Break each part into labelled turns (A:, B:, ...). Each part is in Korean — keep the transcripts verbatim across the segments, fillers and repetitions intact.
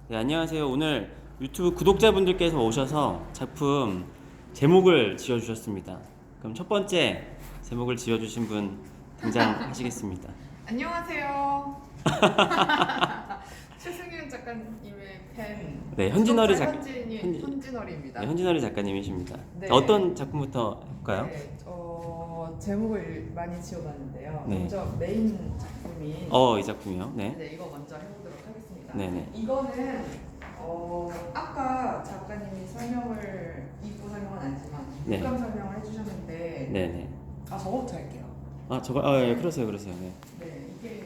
A: 네, 안녕하세요. 오늘 유튜브 구독자분들께서 오셔서 작품 제목을 지어주셨습니다. 그럼 첫 번째 제목을 지어주신 분 등장하시겠습니다.
B: 안녕하세요. 최승윤 작가님의 팬.
A: 네, 현진어리 작-
B: 현진이
A: 현진-
B: 현진어리입니다.
A: 네, 현진어리 작가님이십니다.
B: 네.
A: 어떤 작품부터 볼까요?
B: 네, 어, 제목을 많이 지어봤는데요.
A: 네.
B: 먼저 메인 작품인
A: 어, 이 작품이요. 네.
B: 네, 이거 먼저 해보도록 하겠습니다.
A: 네네.
B: 이거는 어, 아까 작가님이 설명을 입구 설명은 아니지만
A: 네.
B: 물감 설명을 해주셨는데
A: 네네.
B: 아 저거부터 할게요.
A: 아, 저거, 아, 예, 그러세요, 그러세요. 네.
B: 네, 이게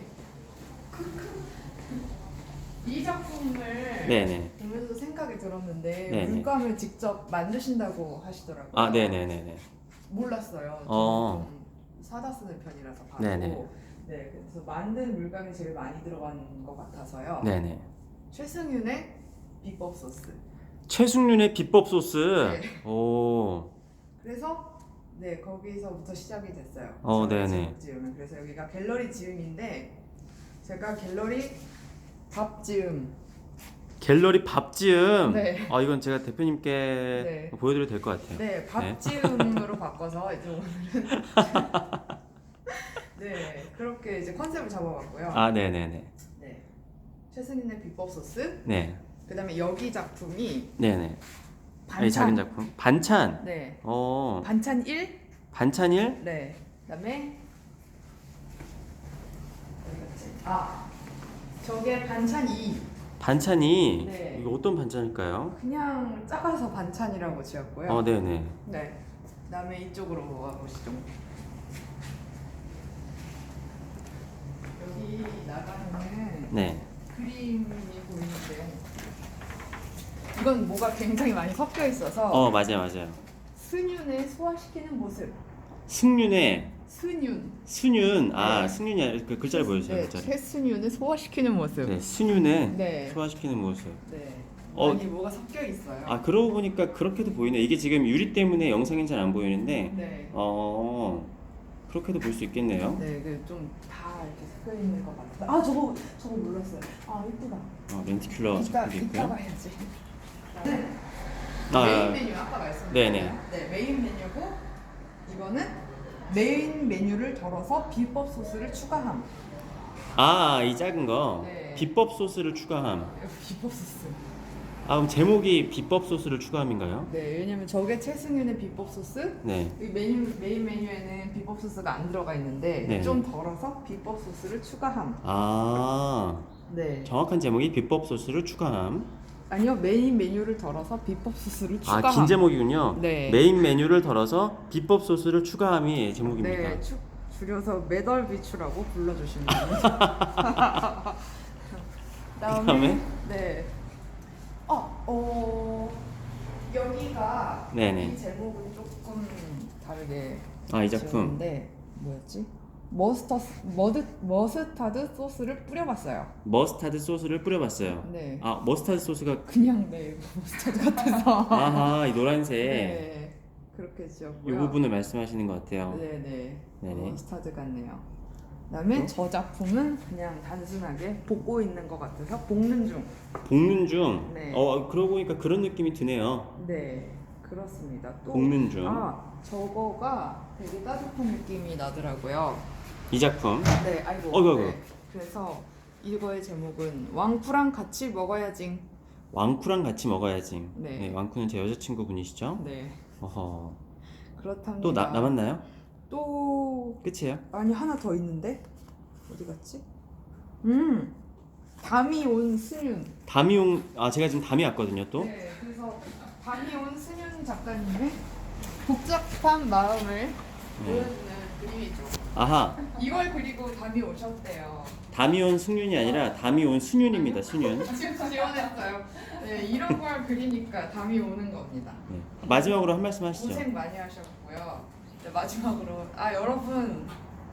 B: 이 작품을
A: 네네.
B: 보면서 생각이 들었는데
A: 네네.
B: 물감을 직접 만드신다고 하시더라고요.
A: 아, 네네네네.
B: 몰랐어요.
A: 어.
B: 좀 사다 쓰는 편이라서 바로.
A: 네네.
B: 네, 그래서 만든 물감이 제일 많이 들어간 것 같아서요.
A: 네네.
B: 최승윤의 비법 소스.
A: 최승윤의 비법 소스.
B: 네.
A: 오.
B: 그래서 네 거기서부터 시작이 됐어요.
A: 어,
B: 제가
A: 네네.
B: 제목 지음은. 그래서 여기가 갤러리 지음인데 제가 갤러리 밥 지음.
A: 갤러리 밥지음.
B: 네.
A: 아, 이건 제가 대표님께
B: 네.
A: 보여드려도 될 것 같아요.
B: 네,
A: 네.
B: 밥지음으로 바꿔서 이제 오늘은 네 그렇게 이제 컨셉을 잡아봤고요.
A: 아, 네네네.
B: 네, 최승윤의 비법 소스.
A: 네.
B: 그다음에 여기 작품이
A: 네네.
B: 반찬.
A: 이 작은 작품. 반찬.
B: 네,
A: 어.
B: 반찬 일.
A: 반찬일?
B: 네, 그다음에 어디 갔지? 아, 저게 반찬 이.
A: 반찬이.
B: 네.
A: 이거 어떤 반찬일까요?
B: 그냥 작아서 반찬이라고 지었고요.
A: 어, 네네.
B: 네. 그다음에 이쪽으로 와보시죠. 여기 나가는
A: 네.
B: 그림이 보이는데 이건 뭐가 굉장히 많이 섞여 있어서
A: 어, 맞아요, 맞아요.
B: 승윤의 소화시키는 모습.
A: 승윤의
B: 승윤.
A: 순윤. 아,
B: 네.
A: 승윤이 아니라 그 글자를 보여주세요.
B: 네,
A: 글자를.
B: 최승윤의 소화시키는 모습.
A: 네, 순윤의
B: 네.
A: 소화시키는 모습.
B: 네.
A: 어.
B: 많이 뭐가 섞여 있어요.
A: 아, 그러고 보니까 그렇게도 보이네. 이게 지금 유리 때문에 영상엔 잘 안 보이는데,
B: 네.
A: 어, 그렇게도 볼 수 있겠네요.
B: 네, 좀 다 이렇게 섞여 있는 것 같아요. 아, 저거 저거 몰랐어요. 아, 이쁘다.
A: 어, 렌티큘러
B: 이따
A: 작품도
B: 이따
A: 있고요.
B: 봐야지. 네.
A: 아,
B: 메인 메뉴 아까 말씀드렸죠.
A: 네네.
B: 네, 메인 메뉴고 이거는 메인 메뉴를 덜어서 비법 소스를 추가함.
A: 아, 이 작은 거.
B: 네.
A: 비법 소스를 추가함.
B: 여기 비법 소스.
A: 아, 그럼 제목이 비법 소스를 추가함인가요?
B: 네, 왜냐면 저게 최승윤의 비법 소스.
A: 네.
B: 이 메뉴 메인 메뉴에는 비법 소스가 안 들어가 있는데
A: 네.
B: 좀 덜어서 비법 소스를 추가함.
A: 아,
B: 네.
A: 정확한 제목이 비법 소스를 추가함.
B: 아니요, 메인 메뉴를 덜어서 비법 소스를 추가함.
A: 아, 긴 제목이군요.
B: 네.
A: 메인 메뉴를 덜어서 비법 소스를 추가함이 제목입니다.
B: 네, 추, 줄여서 매덜비추라고 불러주시면 됩니다.
A: 그다음에?
B: 네. 어, 어 여기가
A: 네네.
B: 이 제목은 조금 다르게
A: 아, 이 작품.
B: 지었는데 뭐였지? 머스터 머드 머스타드 소스를 뿌려봤어요.
A: 머스타드 소스를 뿌려봤어요.
B: 네.
A: 아, 머스타드 소스가
B: 그냥 네 머스타드 같아서.
A: 아하, 이 노란색.
B: 네. 그렇게
A: 이
B: 지었고요.
A: 부분을 말씀하시는 것 같아요.
B: 네네.
A: 네네.
B: 머스타드 같네요. 그다음에
A: 또?
B: 저 작품은 그냥 단순하게 볶고 있는 것 같아서 볶는 중.
A: 볶는 중.
B: 네.
A: 어, 그러고 보니까 그런 느낌이 드네요.
B: 네, 그렇습니다. 또
A: 볶는 중.
B: 아, 저거가 되게 따뜻한 느낌이 나더라고요.
A: 이 작품.
B: 네, 아이고.
A: 어이구, 어이구.
B: 네. 그래서 이거의 제목은 왕푸랑 같이 먹어야지.
A: 왕쿠랑 같이 먹어야지.
B: 네.
A: 네, 왕쿠는 제 여자친구분이시죠?
B: 네,
A: 어허.
B: 그렇답니다.
A: 또 나, 남았나요?
B: 또
A: 끝이에요?
B: 아니 하나 더 있는데 어디 갔지? 음, 담이 온 승윤.
A: 담이 온, 아, 제가 지금 담이 왔거든요, 또.
B: 네, 그래서 담이 온 승윤 작가님의 복잡한 마음을 보여주는 그림이죠.
A: 아하.
B: 이걸 그리고 담이 오셨대요.
A: 담이 온 승윤이 아니라 담이 온 순윤입니다, 순윤.
B: 지금 지원했어요. 네, 이런 걸 그리니까 담이 오는 겁니다.
A: 네. 마지막으로 한 말씀 하시죠.
B: 고생 많이 하셨고요. 네, 마지막으로 아 여러분,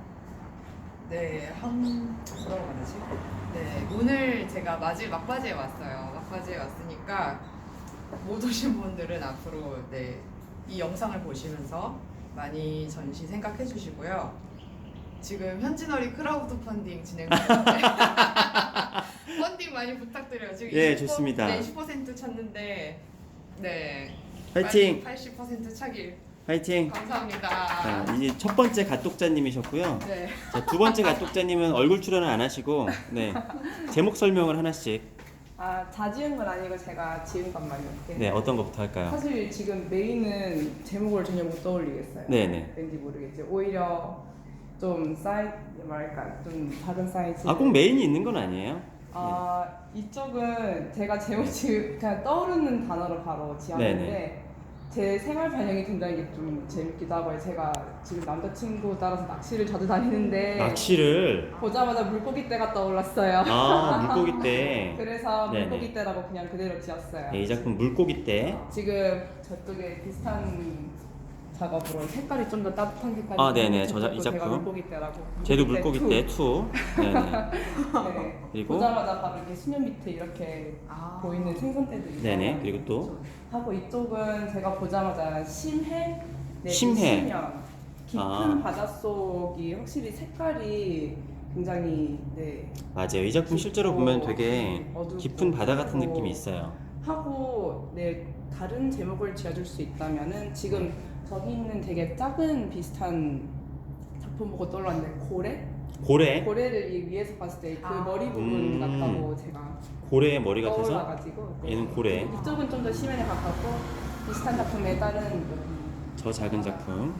B: 네한 뭐라고 말하지? 네, 오늘 제가 마지 막바지에 왔어요. 막바지에 왔으니까 못 오신 분들은 앞으로 네, 이 영상을 보시면서 많이 전시 생각해 주시고요. 지금 현진어리 크라우드 펀딩 진행 중인데 펀딩 많이 부탁드려요. 지금
A: 예,
B: 이십 퍼센트
A: 좋습니다.
B: 네, 이십 퍼센트 찼는데 네.
A: 화이팅!
B: 팔십 퍼센트 차길.
A: 화이팅!
B: 감사합니다.
A: 자, 이제 첫 번째 갓독자님이셨고요.
B: 네.
A: 자, 두 번째 갓독자님은 얼굴 출연을 안 하시고 네 제목 설명을 하나씩.
C: 아, 다 지은 건 아니고 제가 지은 것만요.
A: 네, 어떤 것부터 할까요?
C: 사실 지금 메인은 제목을 전혀 못 떠올리겠어요.
A: 네네.
C: 왠지 모르겠지. 오히려 좀 사이 뭐랄까 좀 작은 사이즈.
A: 아, 꼭 메인이 있는 건 아니에요?
C: 아, 이쪽은 제가 제목 지금 그냥 떠오르는 단어로 바로 지었는데
A: 네네.
C: 제 생활 반영이 굉장히 좀 재밌기도 하고요. 제가 지금 남자친구 따라서 낚시를 자주 다니는데
A: 낚시를
C: 보자마자 물고기 떼가 떠올랐어요.
A: 아 물고기 때.
C: 그래서
A: 네네.
C: 물고기 떼라고 그냥 그대로 지었어요.
A: 네, 이 작품 물고기 때.
C: 지금 저쪽에 비슷한 작업으로 색깔이 좀 더 따뜻한 색깔이
A: 아, 네네.
C: 저쪽도
A: 저 자- 이
C: 제가
A: 작품.
C: 물고기 때라고
A: 쟤도 물고기
C: 투.
A: 때 투. 네네.
C: 네.
A: 그리고?
C: 보자마자 바로 이렇게 수면 밑에 이렇게
B: 아.
C: 보이는 생선떼들이
A: 네네. 그리고 또
C: 하고 이쪽은 제가 보자마자 심해 네,
A: 심해.
C: 미시면 깊은
A: 아.
C: 바닷속이 확실히 색깔이 굉장히 네
A: 맞아요. 이 작품 실제로 보면 되게
C: 어둡고
A: 깊은 바다 같은
C: 그리고
A: 느낌이 있어요.
C: 하고 네 다른 제목을 지어줄 수 있다면은 지금 저기 있는 되게 작은 비슷한 작품 보고 떠올랐는데 고래?
A: 고래.
C: 고래를 이 위에서 봤을 때 그
B: 아.
C: 머리 부분
A: 음.
C: 같다고 제가
A: 고래의 머리 같아서
C: 떠올라가지고 네.
A: 얘는 고래.
C: 이쪽은 좀 더 심연에 가깝고 비슷한 작품에 다른
A: 저 작은 작품.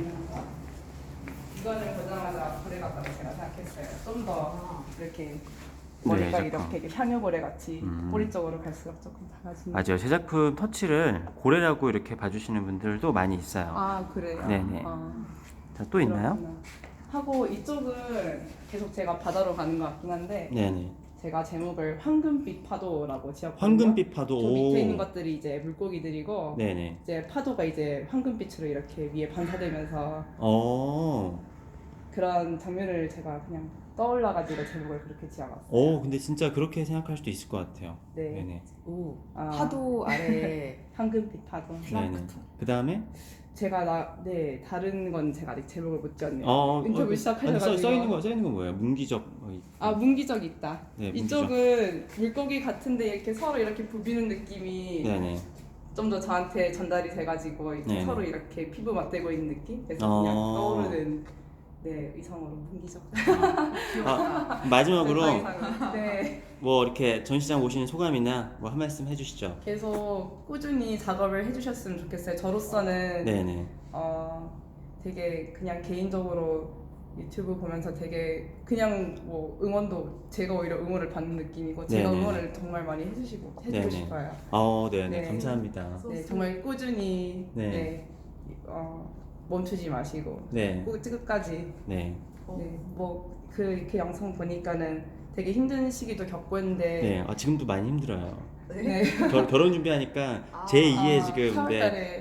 C: 이거는 보자마자 고래 같다고 제가 생각했어요. 좀 더
B: 아.
C: 이렇게
A: 네,
C: 머리가
A: 작품.
C: 이렇게 향유고래 같이
A: 음.
C: 꼬리 쪽으로 갈수록 조금 작아지는.
A: 맞아요. 제 작품 터치를 고래라고 이렇게 봐주시는 분들도 많이 있어요.
C: 아 그래요?
A: 네네.
C: 아,
A: 자, 또 있나요?
C: 그렇구나. 하고 이쪽은 계속 제가 바다로 가는 것 같긴 한데
A: 네네.
C: 제가 제목을 황금빛 파도라고 지었거든요.
A: 황금빛 파도.
C: 저 밑에 있는 것들이 이제 물고기들이고
A: 네네.
C: 이제 파도가 이제 황금빛으로 이렇게 위에 반사되면서
A: 어.
C: 그런 장면을 제가 그냥 떠올라가지고 제목을 그렇게 지어봤어요.
A: 오, 근데 진짜 그렇게 생각할 수도 있을 것 같아요.
C: 네.
A: 네네.
B: 오.
C: 아.
B: 파도 아래
C: 황금빛 파도.
A: 네네. 그 다음에
C: 제가 나, 네 다른 건 제가 아직 제목을 못 지었네요.
A: 어,
C: 인터뷰
A: 어,
C: 시작하셔가지고.
A: 아니, 써, 써 있는 거, 써 있는 건 뭐예요? 문기적. 어, 이-
C: 아 문기적 있다.
A: 네,
C: 이쪽은 물고기 같은데 이렇게 서로 이렇게 부비는 느낌이
A: 네네.
C: 좀 더 저한테 전달이 돼가지고 이렇게
A: 네네.
C: 서로 이렇게 피부 맞대고 있는 느낌? 그래서
A: 어.
C: 그냥 떠오르는 네 의성으로 문기적.
A: 아, 마지막으로
C: 세상상으로. 네
A: 뭐 이렇게 전시장 오시는 소감이나 뭐 한 말씀 해주시죠.
C: 계속 꾸준히 작업을 해주셨으면 좋겠어요. 저로서는
A: 네네.
C: 어 되게 그냥 개인적으로 유튜브 보면서 되게 그냥 뭐 응원도 제가 오히려 응원을 받는 느낌이고 제가
A: 네네.
C: 응원을 정말 많이 해주시고 해주고
A: 네네.
C: 싶어요.
A: 어, 네네.
C: 네.
A: 감사합니다.
C: 네 정말 꾸준히
A: 네.
C: 네, 어, 멈추지 마시고
A: 네.
C: 꼭 끝까지
A: 네.
C: 네, 뭐그 그 영상 보니까는 되게 힘든 시기도 겪고 했는데
A: 네. 아, 지금도 많이 힘들어요.
C: 네.
A: 결, 결혼 준비하니까
B: 아,
A: 제이의
C: 아,
A: 지금
C: 사월달에
A: 네.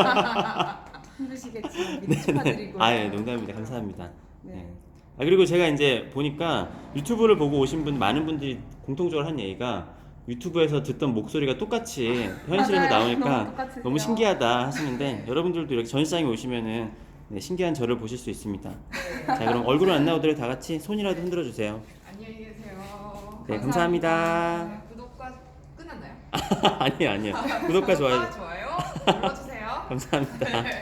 C: 힘드시겠지만 미리 축하드리고
A: 아, 예, 농담입니다. 감사합니다.
C: 네.
A: 네. 아, 그리고 제가 이제 보니까 유튜브를 보고 오신 분 많은 분들이 공통적으로 한 얘기가 유튜브에서 듣던 목소리가 똑같이 현실에서
C: 맞아요.
A: 나오니까
C: 너무 똑같으세요.
A: 너무 신기하다 하시는데 여러분들도 이렇게 전시장에 오시면은 네, 신기한 저를 보실 수 있습니다. 자, 그럼 얼굴은 안 나오더라도 다 같이 손이라도 흔들어 주세요.
B: 안녕히 계세요.
A: 네, 감사합니다.
B: 네, 구독과 끝났나요?
A: 아니요, 아니요. 구독과 좋아요
B: 구독과 좋아요 눌러주세요.
A: 감사합니다.